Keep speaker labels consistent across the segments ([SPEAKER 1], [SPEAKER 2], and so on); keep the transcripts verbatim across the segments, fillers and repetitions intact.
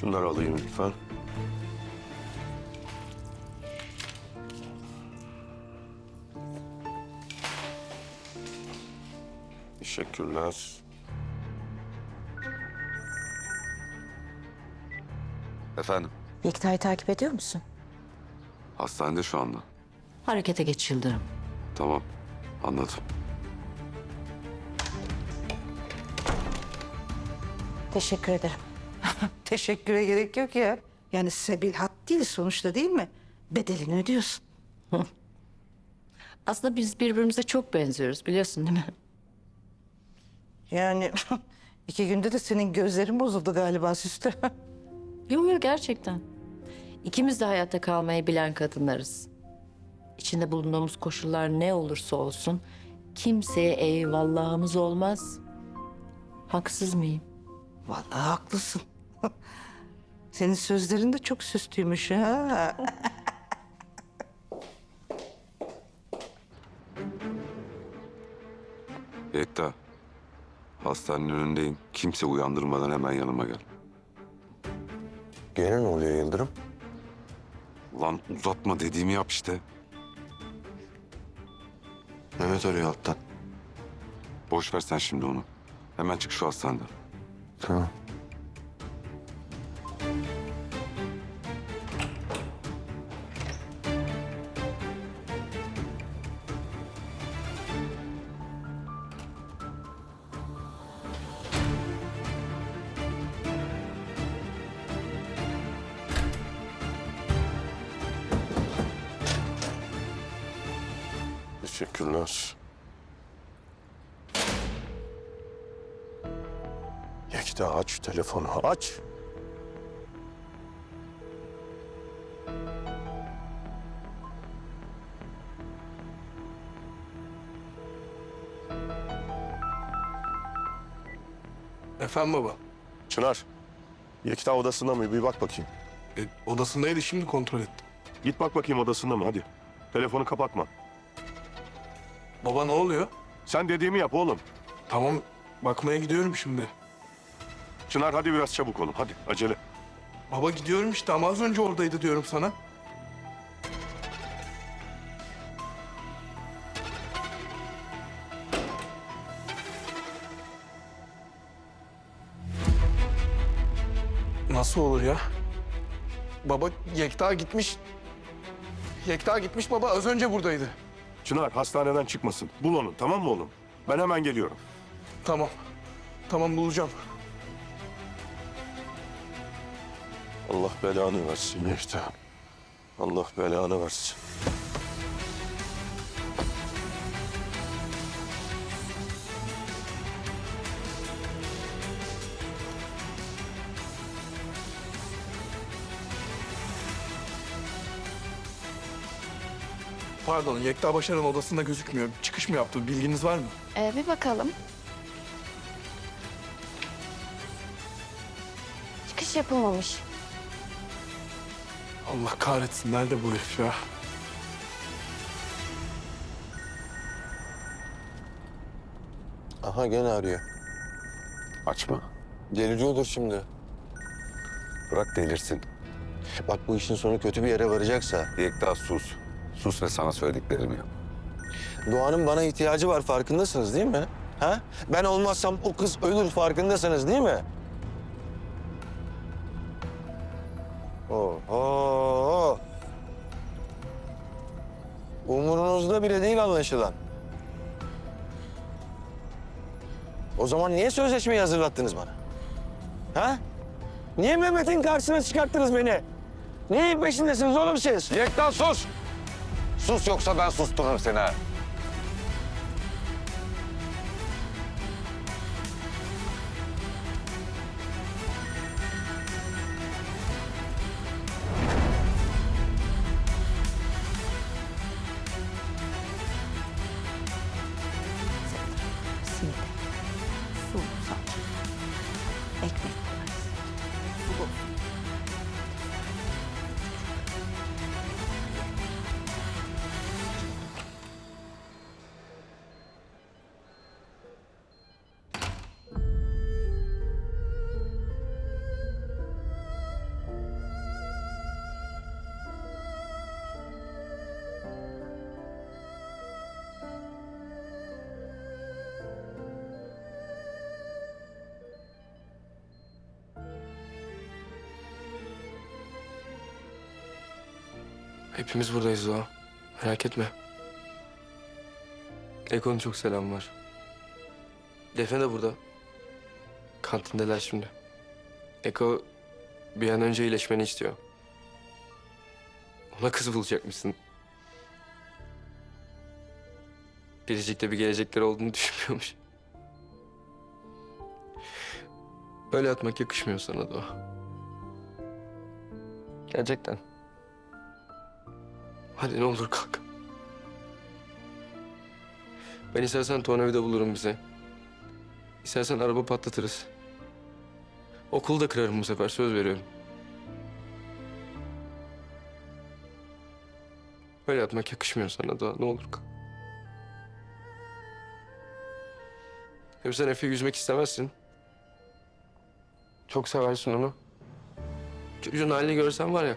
[SPEAKER 1] Şunları alayım lütfen. Teşekkürler.
[SPEAKER 2] Efendim,
[SPEAKER 3] Yekta'yı takip ediyor musun?
[SPEAKER 2] hastanede şu anda.
[SPEAKER 3] Harekete geç Yıldırım.
[SPEAKER 2] Tamam, anladım.
[SPEAKER 3] Teşekkür ederim.
[SPEAKER 4] Teşekküre gerek yok ya. Yani sebil hat değil sonuçta, değil mi? Bedelini ödüyorsun.
[SPEAKER 3] Aslında biz birbirimize çok benziyoruz biliyorsun değil mi?
[SPEAKER 4] Yani iki günde de senin gözlerin bozuldu galiba Süslü.
[SPEAKER 3] Yok yok gerçekten. İkimiz de hayatta kalmayı bilen kadınlarız. İçinde bulunduğumuz koşullar ne olursa olsun kimseye eyvallahımız olmaz. Haksız mıyım?
[SPEAKER 4] Vallahi haklısın. Senin sözlerin de çok süslüymüş ha.
[SPEAKER 2] Yekta, hastanenin önündeyim. Kimse uyandırmadan hemen yanıma gel.
[SPEAKER 1] Gene ne oluyor Yıldırım?
[SPEAKER 2] Lan uzatma dediğimi yap işte.
[SPEAKER 1] Mehmet arıyor alttan.
[SPEAKER 2] Boş ver sen şimdi onu. Hemen çık şu hastaneden.
[SPEAKER 1] Tamam. Teşekkürler. Yekta aç şu telefonu, aç.
[SPEAKER 5] Efendim baba.
[SPEAKER 1] Çınar, Yekta odasında mı? Bir bak bakayım.
[SPEAKER 5] E, odasındaydı, şimdi kontrol ettim.
[SPEAKER 1] Git bak bakayım odasında mı, hadi. Telefonu kapatma.
[SPEAKER 5] Baba ne oluyor?
[SPEAKER 1] Sen dediğimi yap oğlum.
[SPEAKER 5] Tamam, bakmaya gidiyorum şimdi.
[SPEAKER 1] Çınar hadi biraz çabuk olun, hadi acele.
[SPEAKER 5] Baba gidiyorum işte ama az önce oradaydı diyorum sana. Nasıl olur ya? Baba Yekta gitmiş. Yekta gitmiş baba, az önce buradaydı.
[SPEAKER 1] Çınar hastaneden çıkmasın. Bul onu, tamam mı oğlum? Ben hemen geliyorum.
[SPEAKER 5] Tamam. Tamam, bulacağım.
[SPEAKER 1] Allah belanı versin Yekta. Allah belanı versin.
[SPEAKER 5] Pardon, Yekta Başar'ın odasında gözükmüyor. Çıkış mı yaptı? Bilginiz var mı?
[SPEAKER 6] Ee, bir bakalım. Çıkış yapılmamış.
[SPEAKER 5] Allah kahretsin. Nerede bu herif ya?
[SPEAKER 7] Aha gene arıyor.
[SPEAKER 2] Açma.
[SPEAKER 7] Delici olur şimdi.
[SPEAKER 2] Bırak delirsin.
[SPEAKER 7] Bak bu işin sonu kötü bir yere varacaksa...
[SPEAKER 2] Yekta sus. Sus ve sana söylediklerimi yap.
[SPEAKER 7] Doğan'ın bana ihtiyacı var, farkındasınız değil mi? Ha? Ben olmazsam o kız ölür, farkındasınız değil mi? Oho! Umurunuzda bile değil anlaşılan. O zaman niye sözleşmeyi hazırlattınız bana? Ha? Niye Mehmet'in karşısına çıkarttınız beni? Neyin peşindesiniz oğlum siz?
[SPEAKER 2] Yekta sus! Sus yoksa ben sustururum seni ha.
[SPEAKER 3] Simit. Su, salça. Ekmek koyarız. Su olsun.
[SPEAKER 8] Hepimiz buradayız Doğa. Merak etme. Eko'nun çok selamı var. Defne de burada. Kantindeler şimdi. Eko bir an önce iyileşmeni istiyor. Ona kız bulacakmışsın. Biricik'te bir gelecekleri olduğunu düşünmüyormuş. Böyle atmak yakışmıyor sana Doğa. Gerçekten. Hadi ne olur kalk. Ben istersen tornavida bulurum bize. İstersen araba patlatırız. Okulu da kırarım bu sefer, söz veriyorum. Böyle yapmak yakışmıyor sana Doğa, ne olur kalk. Hem sen Efe'yi üzmek istemezsin. Çok seversin onu. Çocuğun halini görsen var ya.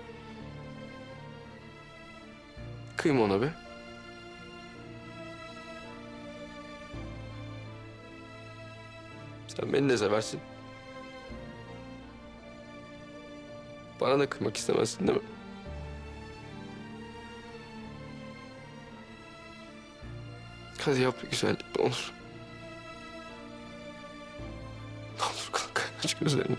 [SPEAKER 8] Kıyma ona be. Sen beni de seversin. Bana da kıymak istemezsin değil mi? Hadi yap bir güzellik ne olur. Ne olur kalk aç gözlerini.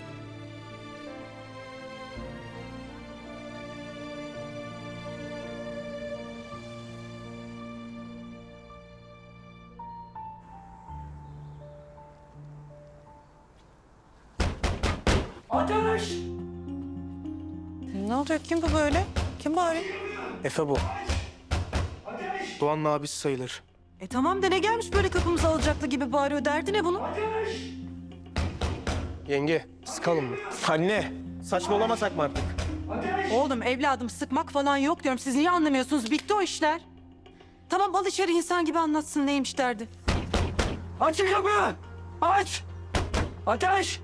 [SPEAKER 4] Ateş! Ne oluyor? Kim bu böyle? Kim bari?
[SPEAKER 9] Efe bu. Doğan'ın abisi sayılır.
[SPEAKER 4] E tamam da ne gelmiş böyle kapımızı alacaktı gibi bağırıyor. Derdi ne bunun?
[SPEAKER 9] Yenge, sıkalım mı? Anne, saçmalamasak mı artık?
[SPEAKER 4] Oğlum evladım sıkmak falan yok diyorum. Siz niye anlamıyorsunuz? Bitti o işler. Tamam al içeri insan gibi anlatsın neymiş derdi.
[SPEAKER 7] Açın kapıyı! Aç! Ateş!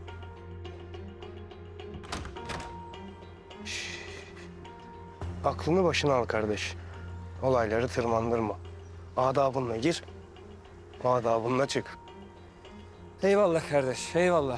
[SPEAKER 9] Aklını başına al kardeş. Olayları tırmandırma. Adabınla gir, adabınla çık.
[SPEAKER 7] Eyvallah kardeş, eyvallah.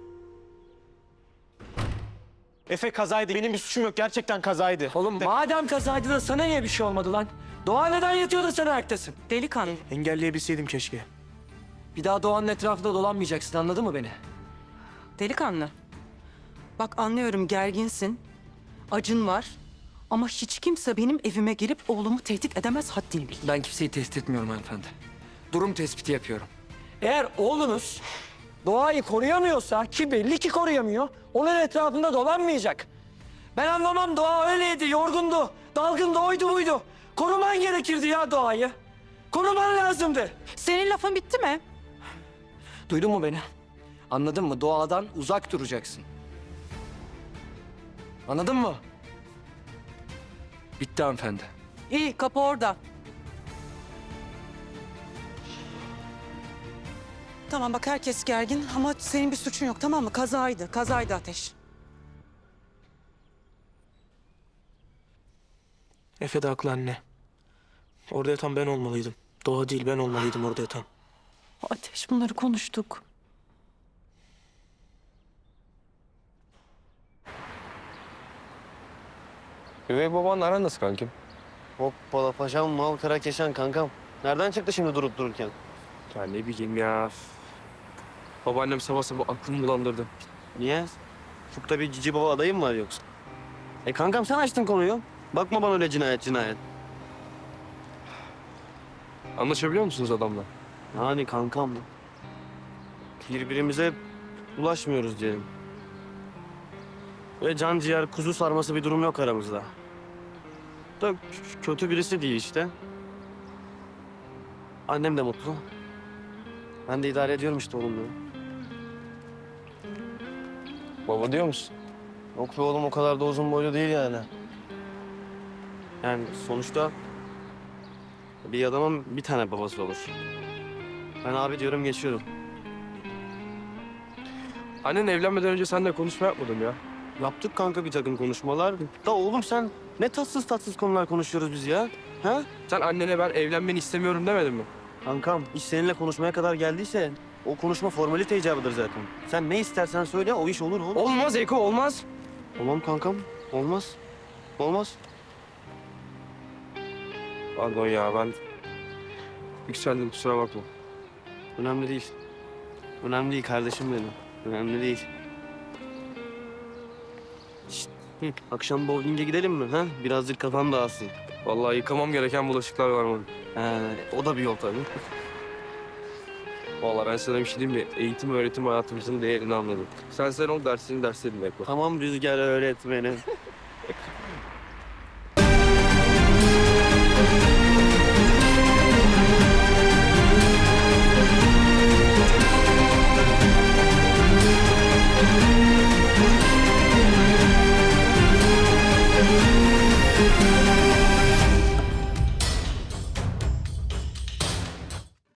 [SPEAKER 9] Efe kazaydı, benim bir suçum yok. Gerçekten kazaydı.
[SPEAKER 7] Oğlum madem kazaydı da sana niye bir şey olmadı lan? Doğa neden yatıyor da sen ayaktasın?
[SPEAKER 4] Delikanlı.
[SPEAKER 9] Engelleyebilseydim keşke.
[SPEAKER 7] Bir daha Doğan'ın etrafında dolanmayacaksın, anladın mı beni?
[SPEAKER 4] Delikanlı. Bak anlıyorum gerginsin. Acın var. Ama hiç kimse benim evime gelip oğlumu tehdit edemez haddini bil.
[SPEAKER 7] Ben kimseyi tehdit etmiyorum hanımefendi. Durum tespiti yapıyorum. Eğer oğlunuz Doğa'yı koruyamıyorsa, ki belli ki koruyamıyor, onun etrafında dolanmayacak. Ben anlamam, Doğa öyleydi, yorgundu, dalgındı, oydu buydu. Koruman gerekirdi ya Doğa'yı. Koruman lazımdı.
[SPEAKER 4] Senin lafın bitti mi?
[SPEAKER 7] Duydun mu beni? Anladın mı? Doğadan uzak duracaksın. Anladın mı? Bitti hanımefendi.
[SPEAKER 4] İyi kapı orada. Tamam bak herkes gergin ama senin bir suçun yok tamam mı? Kazaydı, kazaydı Ateş.
[SPEAKER 9] Efe de haklı anne. Orada yatan ben olmalıydım. Doğa değil, ben olmalıydım orada yatan.
[SPEAKER 4] Ateş bunları konuştuk.
[SPEAKER 8] Üvey babanla aran nasıl kankim?
[SPEAKER 10] Hoppala paşam, mal kara keşen kankam. Nereden çıktı şimdi durup dururken?
[SPEAKER 8] Ya ne bileyim ya. Babaannem sabah sabah aklımı bulandırdı.
[SPEAKER 10] Niye? Ufukta bir cici baba adayım mı var yoksa? E kankam sen açtın konuyu. Bakma bana öyle cinayet cinayet.
[SPEAKER 8] Anlaşabiliyor musunuz adamla?
[SPEAKER 10] Yani kankam. Birbirimize ulaşmıyoruz diyelim. Ve can ciğer kuzu sarması bir durum yok aramızda. Da k- kötü birisi değil işte. Annem de mutlu. Ben de idare ediyorum işte oğlumla.
[SPEAKER 8] Baba diyor musun?
[SPEAKER 10] Yok be oğlum o kadar da uzun boylu değil yani. Yani sonuçta bir adamın bir tane babası olur. Ben abi diyorum geçiyorum.
[SPEAKER 8] Annen evlenmeden önce seninle konuşma yapmadım ya.
[SPEAKER 10] Yaptık kanka bir takım konuşmalar. Da oğlum sen ne tatsız tatsız konular konuşuyoruz biz ya. Ha?
[SPEAKER 8] Sen annene ben evlenmeni istemiyorum demedin mi?
[SPEAKER 10] Kankam iş seninle konuşmaya kadar geldiyse o konuşma formalite icabıdır zaten. Sen ne istersen söyle o iş olur oğlum.
[SPEAKER 8] Olmaz Eko olmaz.
[SPEAKER 10] Tamam kankam olmaz. Olmaz.
[SPEAKER 8] Pardon ya ben yükseldim kusura bakma.
[SPEAKER 10] Önemli değil. Önemli değil kardeşim benim. Önemli değil. Şşt, hı, akşam bowling'e gidelim mi? Ha? Birazcık kafam dağılsın.
[SPEAKER 8] Vallahi yıkamam gereken bulaşıklar var benim.
[SPEAKER 10] Ha, o da bir yol tabii.
[SPEAKER 8] Vallahi ben sana bir şey diyeyim mi? Eğitim öğretim hayatımızın değerini anladım. Sen sen ol dersini derslerini yapma.
[SPEAKER 10] Tamam Rüzgar öğretmenim.